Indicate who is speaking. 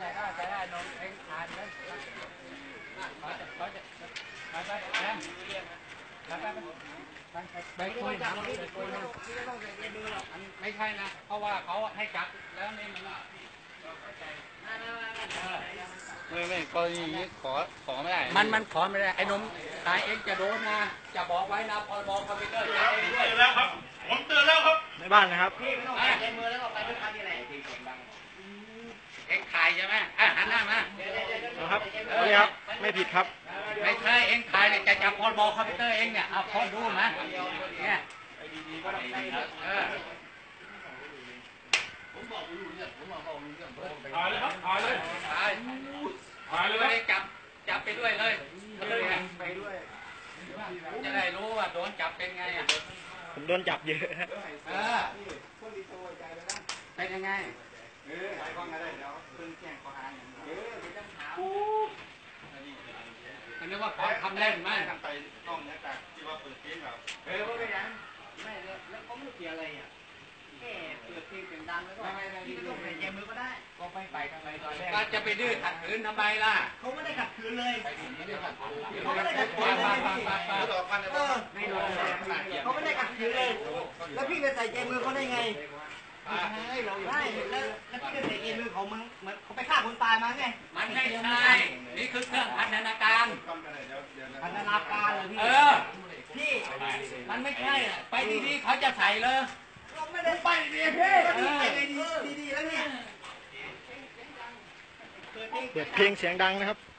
Speaker 1: ได้นมเองทานเลยเขาจะไปคุยไม่ใช่นะเพราะว่าเขาให้จับแล้วนี่มันไม่กรณีนี้ขอไม่ได้มันขอไม่ได้ไอ้นมตายเองจะโดนนะจะบอกไว้นะพรบคอมพิวเตอร์จะเองด้วย
Speaker 2: แล้วครับผมเตือนแล้วครับ
Speaker 3: ในบ้านนะครับ
Speaker 1: พี่ไม่ต้องใช้มือแล้วก็ไปด้วยกันนี่แหละเอ็งถ่ายใช่ไหมหันหน้ามา
Speaker 3: ครับนี่ครับไม่ผิดครับ
Speaker 1: ไม่ใช่เอ็งถ่ายเนี่ยจะจับพรบคอมพิวเตอร์เองเนี่ยเอาพอดูนะเนี่ย
Speaker 2: ถ่ายเลยครับถ่ายเลย
Speaker 1: ถ่ายเลยจับไปด้วยเลยไปด้วยจะได้รู้ว่าโดนจับเป็นไงอ่ะ
Speaker 3: ผมโดนจับเยอะ
Speaker 1: เป็นยังไงอันนี้ว่าขอทำเล่นไหม
Speaker 2: ไปต้องเนี่ยจากที่ว่าเปิดเพลงแบบ
Speaker 1: ก็ไม่ยังไม่แล้วเขาไม่เกี่ยวอะไรอ่ะแค่เปิดเพลงเสียงดังแล้วก็ที่ต้องใส่ใจมือก็ได้ก็ไม่ไปทำไมตอนแรกก็จะไปดื้อขัดขืนทำไมล่ะ
Speaker 4: เขาไม่ได้ขัดขืนเลย
Speaker 1: เขาไม่ได้ขัดขืนเลย
Speaker 4: เขาไม่ได้ขัดขืนเลยแล้วพี่ไปใส่ใจมือเขาได้ไงได้แล้วพี่ไปใส่ใจมือเขาเหมือนเขาไปฆ่าคนตายมาไง
Speaker 1: มันไม่ใช่นี่คือเครื่องพันธนาการ
Speaker 4: พันธนาการเลยพี่
Speaker 1: มันไม่ใช่ไปดีๆเขาจะใส่เลย
Speaker 4: เราไม่ได้ไปดีพี่ดีแล้วเนี่ย
Speaker 3: เปิดเพลงเสียงดังนะครับ